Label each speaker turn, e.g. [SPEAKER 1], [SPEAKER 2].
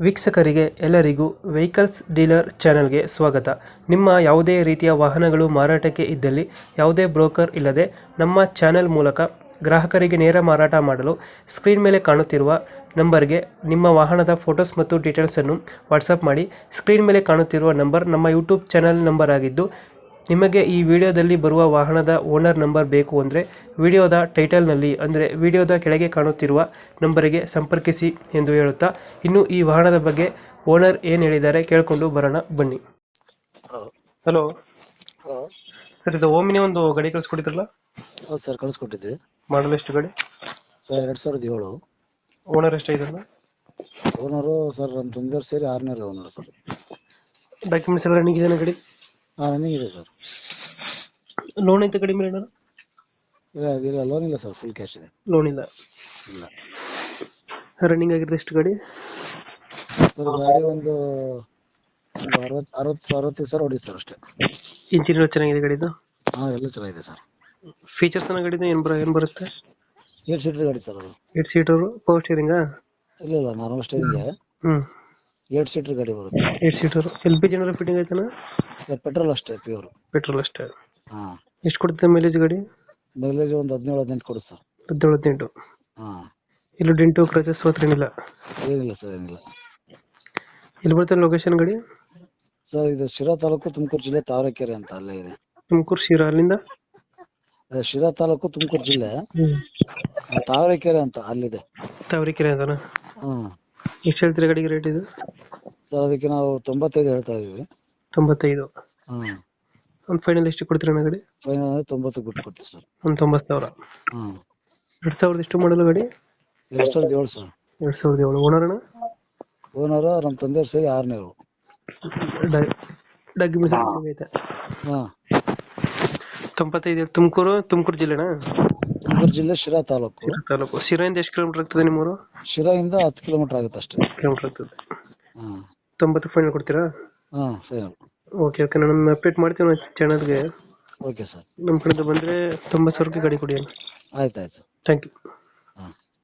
[SPEAKER 1] ವೀಕ್ಷಕರಿಗೆ ಎಲ್ಲರಿಗೂ vehicles dealer ಚಾನೆಲ್ಗೆ ಸ್ವಾಗತ. ನಿಮ್ಮ ಯಾವುದೇ ರೀತಿಯ ವಾಹನಗಳು ಮಾರಾಟಕ್ಕೆ ಇದ್ದಲ್ಲಿ ಯಾವುದೇ ಬ್ರೋಕರ್ ಇಲ್ಲದೆ ನಮ್ಮ ಚಾನೆಲ್ ಮೂಲಕ ಗ್ರಾಹಕರಿಗೆ ನೇರ ಮಾರಾಟ ಮಾಡಲು ಸ್ಕ್ರೀನ್ ಮೇಲೆ ಕಾಣುತ್ತಿರುವ ನಂಬರ್ಗೆ ನಿಮ್ಮ ವಾಹನದ ಫೋಟೋಸ್ ಮತ್ತು ಡೀಟೇಲ್ಸನ್ನು ವಾಟ್ಸಪ್ ಮಾಡಿ. ಸ್ಕ್ರೀನ್ ಮೇಲೆ ಕಾಣುತ್ತಿರುವ ನಂಬರ್ ನಮ್ಮ ಯೂಟ್ಯೂಬ್ ಚಾನೆಲ್ ನಂಬರ್ ಆಗಿದ್ದು, ನಿಮಗೆ ಈ ವಿಡಿಯೋದಲ್ಲಿ ಬರುವ ವಾಹನದ ಓನರ್ ನಂಬರ್ ಬೇಕು ಅಂದರೆ ವಿಡಿಯೋದ ಟೈಟಲ್ನಲ್ಲಿ ಅಂದರೆ ವಿಡಿಯೋದ ಕೆಳಗೆ ಕಾಣುತ್ತಿರುವ ನಂಬರಿಗೆ ಸಂಪರ್ಕಿಸಿ ಎಂದು ಹೇಳುತ್ತಾ, ಇನ್ನು ಈ ವಾಹನದ ಬಗ್ಗೆ ಓನರ್ ಏನು ಹೇಳಿದ್ದಾರೆ ಕೇಳಿಕೊಂಡು ಬರೋಣ ಬನ್ನಿ.
[SPEAKER 2] ಹಲೋ.
[SPEAKER 1] Hello
[SPEAKER 2] hello.
[SPEAKER 1] ಸರ್, ಇದು ಓಮಿನಿ ಒಂದು ಗಾಡಿ ಕಳಿಸ್ಕೊಟ್ಟಿದ್ರಲ್ಲ,
[SPEAKER 2] ಹೌದು ಸರ್, ಕಳಿಸ್ಕೊಟ್ಟಿದ್ವಿ.
[SPEAKER 1] ಮಾಡಲ್ ಎಷ್ಟು ಗಾಡಿ?
[SPEAKER 2] ಸರ್ 2007.
[SPEAKER 1] ಓನರ್ ಎಷ್ಟಾಗಿದ್ರಲ್ಲ?
[SPEAKER 2] ಓನರು ಸರ್ ನಮ್ಮ ತಂದೆಯವ್ರು ಸೇರಿ 6ನೇ ಓನರ್ ಸರ್.
[SPEAKER 1] ಡಾಕ್ಯುಮೆಂಟ್ಸ್ ಎಲ್ಲ ರನ್ನಿಂಗ್ ಇದೆಯಾ ಗಾಡಿ?
[SPEAKER 2] ರನ್ನಿಂಗ್ ಇದೆ ಸರ್.
[SPEAKER 1] ಲೋನ್ ಐತೆ ಗಾಡಿ ಮೇಲೆ?
[SPEAKER 2] ಇಲ್ಲ ಲೋನ್ ಇಲ್ಲ ಸರ್, ಫುಲ್ ಕ್ಯಾಶ್ ಇದೆ.
[SPEAKER 1] ಲೋನ್ ಇಲ್ಲ.
[SPEAKER 2] ಇಲ್ಲ
[SPEAKER 1] ರನ್ನಿಂಗ್ ಆಗಿರೋದು ಎಷ್ಟು ಗಾಡಿ?
[SPEAKER 2] ಸರ್ ಗಾಡಿ ಒಂದು 60-65 ಸಾವಿರ ಹೊಡಿ ಸರ್ ಅಷ್ಟೇ.
[SPEAKER 1] ಇಂಜಿನ್ ಎಲ್ಲ ಚೆನ್ನಾಗಿದೆ ಗಾಡಿದು?
[SPEAKER 2] ಎಲ್ಲ ಚೆನ್ನಾಗಿದೆ ಸರ್.
[SPEAKER 1] ಫೀಚರ್ಸ್ ಅನ್ನೋ ಗಾಡಿದು ಏನು ಬರುತ್ತೆ?
[SPEAKER 2] 8 ಸೀಟರ್ ಗಾಡಿ ಸರ್ ಅದು.
[SPEAKER 1] 8 ಸೀಟರ್ ಪವರ್ ಸ್ಟೀರಿಂಗಾ?
[SPEAKER 2] ಇಲ್ಲ ನಾರ್ಮಲ್ ಸ್ಟೇರಿಂಗ್. 8 ಸೀಟರ್ ಗಾಡಿ ಬರುತ್ತೆ.
[SPEAKER 1] 8 ಸೀಟರ್. LPG ಏನಾದ್ರು ಫಿಟ್ಟಿಂಗ್ ಆಯ್ತಾನ?
[SPEAKER 2] ಪೆಟ್ರೋಲ್ ಅಷ್ಟೇ, ಪ್ಯೂರ್
[SPEAKER 1] ಪೆಟ್ರೋಲ್ ಅಷ್ಟೇ.
[SPEAKER 2] ಹಾಂ.
[SPEAKER 1] ಎಷ್ಟು ಕೊಡುತ್ತೆ ಮೈಲೇಜ್ ಗಾಡಿ?
[SPEAKER 2] ಮೈಲೇಜ್ ಒಂದು 17-18 ಕೊಡುತ್ತೆ ಸರ್.
[SPEAKER 1] 17-18.
[SPEAKER 2] ಹಾಂ.
[SPEAKER 1] ಇಲ್ಲೂ ಡೆಂಟು ಕ್ರಚಸ್ ಹತ್ರ ಏನಿಲ್ಲ?
[SPEAKER 2] ಏನಿಲ್ಲ ಸರ್, ಏನಿಲ್ಲ.
[SPEAKER 1] ಎಲ್ಲಿ ಬರ್ತದೆ ಲೊಕೇಶನ್ ಗಾಡಿ?
[SPEAKER 2] ಸರ್ ಇದು ಶಿರಾ ತಾಲೂಕು, ತುಮಕೂರು ಜಿಲ್ಲೆ, ತಾವರೆಕೆರೆ ಅಂತ ಅಲ್ಲೇ ಇದೆ.
[SPEAKER 1] ತುಮಕೂರು ಶಿರಾ, ಅಲ್ಲಿಂದ?
[SPEAKER 2] ಶಿರಾ ತಾಲೂಕು, ತುಮಕೂರು ಜಿಲ್ಲೆ, ತಾವರೆಕೆರೆ ಅಂತ ಅಲ್ಲಿದೆ.
[SPEAKER 1] ತಾವರೆಕೆರೆ ಅಂತಾನ? ಎಷ್ಟು ಹೇಳ್ತೀರಿ ಗಾಡಿಗೆ ರೇಟ್ ಇದು?
[SPEAKER 2] ಸರ್ ಅದಕ್ಕೆ ನಾವು 95 ಹೇಳ್ತಾ ಇದೀವಿ.
[SPEAKER 1] 95. ಒಂದು ಫೈನಲ್ ಎಷ್ಟು ಕೊಡ್ತೀರ ಗಾಡಿ?
[SPEAKER 2] ಫೈನಲ್ 90 ಬಿಟ್ಟು ಕೊಡ್ತೀವಿ ಸರ್.
[SPEAKER 1] ಒಂದು 90,000. 2000 ಎಷ್ಟು ಮಾಡಲು ಗಾಡಿ?
[SPEAKER 2] 2007 ಸರ್.
[SPEAKER 1] 2007. ಓನರ್ ಅಣ್ಣ?
[SPEAKER 2] ಓನರ್ ನಮ್ಮ ತಂದೆಯವ್ರು ಸೇರಿ 6ನೇ.
[SPEAKER 1] ಡಾಕ್ಯುಮೆಂಟ್ಸ್ ಐತೆ? 95. ತುಮಕೂರು ಜಿಲ್ಲೆನಾ?
[SPEAKER 2] ತುಮಕೂರು ಜಿಲ್ಲೆ, ಶಿರಾ ತಾಲೂಕು.
[SPEAKER 1] ಶಿರಾಯಿಂದ ಎಷ್ಟು ಕಿಲೋಮೀಟರ್ ಆಗ್ತದೆ ನಿಮ್ಮೂರು?
[SPEAKER 2] ಶಿರಾಯಿಂದ 10 ಕಿಲೋಮೀಟರ್ ಆಗುತ್ತೆ ಅಷ್ಟೇ.
[SPEAKER 1] 10 ಕಿಲೋಮೀಟರ್ ಆಗ್ತದೆ. 90 ಫೈನಲ್ ಕೊಡ್ತೀರಾ?
[SPEAKER 2] ಫೈನಲ್.
[SPEAKER 1] ಓಕೆ, ನಾನು ಅಪ್ಡೇಟ್ ಮಾಡ್ತೀವಿ ಚಾನಲ್ಗೆ.
[SPEAKER 2] Okay sir.
[SPEAKER 1] ನಮ್ಮ ಕಡೆಯಿಂದ ಬಂದರೆ 90,000ಕ್ಕೆ ಗಾಡಿ ಕೊಡಿ.
[SPEAKER 2] ಆಯ್ತು.
[SPEAKER 1] Thank you.